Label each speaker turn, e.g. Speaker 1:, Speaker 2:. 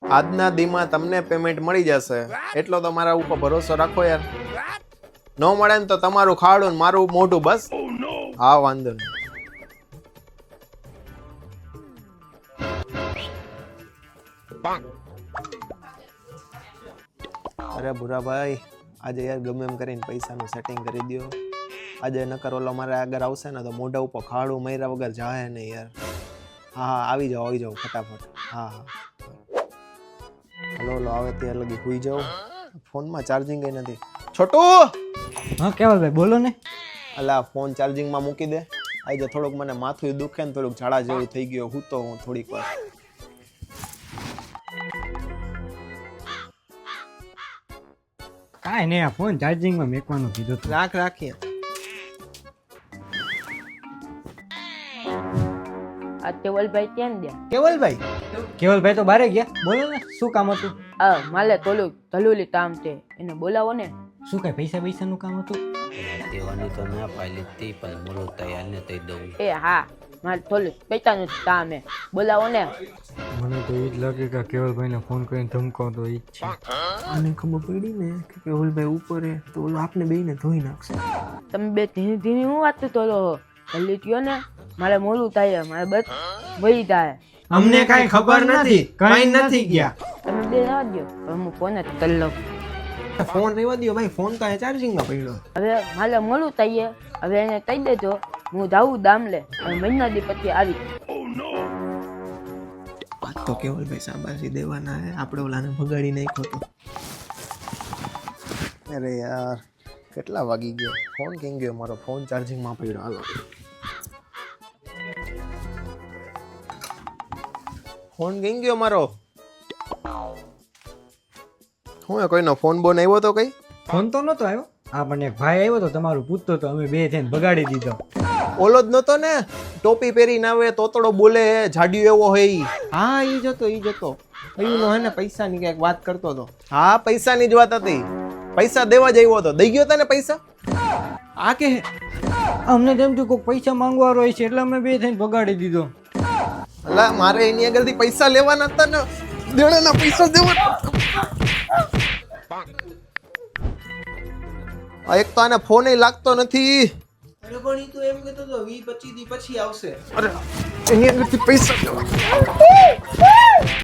Speaker 1: આજના દીમાં તમને પેમેન્ટ મળી જશે એટલો તો મારા ઉપર ભરોસો રાખો યાર. ન મળે ને તો તમારું ખાડું ને મારું મોઢું બસ. હા વાંધો નહીં. અરે ભૂરાભાઈ આજે યાર ગમે એમ કરીને પૈસાનું સેટિંગ કરી દો. આજે નકર ઓલો મારે આગળ આવશે ને તો મોઢા ઉપર ખાડું મર્યા વગર જાય નહીં યાર. હા હા આવી જાઓ ફટાફટ. હા હા હલો આવે ત્યાં લગી સુઈ જાઓ. ફોનમાં ચાર્જિંગ કઈ નથી. છોટું
Speaker 2: હા કેવલભાઈ બોલો ને.
Speaker 1: અલા ફોન ચાર્જિંગમાં મૂકી દે. આજે થોડુંક મને માથું દુખે ને થોડુંક ઝાડા જેવું થઈ ગયું. હું તો થોડીક વાર
Speaker 2: કાંઈ નહીં, આ ફોન ચાર્જિંગમાં મેકવાનું કીધું હતું.
Speaker 1: રાખીએ.
Speaker 3: આ કેવલભાઈ ક્યાં ગયા?
Speaker 2: કેવલભાઈ તો બારે ગયા. બોલો ને શું કામ હતું?
Speaker 3: માલે તોલું ધલુલી કામ છે, એને બોલાવો ને.
Speaker 2: શું કઈ પૈસાનું કામ હતું?
Speaker 4: દેવાની તો ના પાડી હતી પણ બોલો તૈયારને થઈ દઉં.
Speaker 3: એ હા મારે થોડું પૈસાનું જ કામ હે, બોલાવો ને.
Speaker 2: મને તો એ જ લાગે કે કેવલભાઈને ફોન કરીને ધમકાવતો એ જ છે.
Speaker 1: આને ખબર પડી ને કે કેવલભાઈ ઉપર હે તો ઓલો આપને બેયને ધોઈ નાખશે.
Speaker 3: તમે બે ધીમી ધીમી હું વાત કરો હો? જલ્દી કયો ને, મારે મોડું થાય, મારે બસ વહી જાય.
Speaker 2: અમને કાંઈ ખબર નથી, કઈ નથી ગયા.
Speaker 3: તમે બે ના દો, હું ફોન જ કરી લઉં.
Speaker 1: ફોન રહેવા દો ભાઈ, ફોન તો ચાર્જિંગમાં પડ્યો.
Speaker 3: હવે મારે મોડું થાય, હવે એને કહી દેજો હું જાઉં દામલે, હવે મહિના દી પછી આવી.
Speaker 1: વાત તો કેવલભાઈ શાબાશી દેવાના હે, આપણે ઓલાને ભગાડી નાખ્યો તો. અરે યાર કેટલા વાગી ગયા, ફોન કેમ ગયો મારો? ફોન ચાર્જિંગમાં પડ્યો. હાલો ફોન કેમ ગયો મારો? હું કોઈનો ફોન બોન આવ્યો તો કઈ?
Speaker 2: ફોન તો નતો આવ્યો. હા પણ એક ભાઈ આવ્યો તો તમારું પૂછતો તો, અમે બે થઈને બગાડી દીધો.
Speaker 1: ઓલો જ નતો ને, ટોપી પહેરીને આવે, તોતડો બોલે, જાડિયો એવો હોય. હા ઈ જતો નો હે ને પૈસાની કઈક વાત કરતો હતો. હા પૈસાની જ વાત હતી. પૈસા દેવા જ આવ્યો હતો. દઈ ગયો તને પૈસા? આ કે
Speaker 2: અમને તેમ થયું કોઈ પૈસા માંગવા હોય છે એટલે અમે બે થઈને બગાડી દીધો.
Speaker 1: અલા મારે એની આગળથી પૈસા લેવાના હતા ને, દેણાના પૈસા દેવાના. એક તો આને ફોન લાગતો નથી. અરે પણ ઈ તો એમ કહેતો હતો 20-25 દી પછી આવશે. અરે એની આગળથી પૈસા દેવા.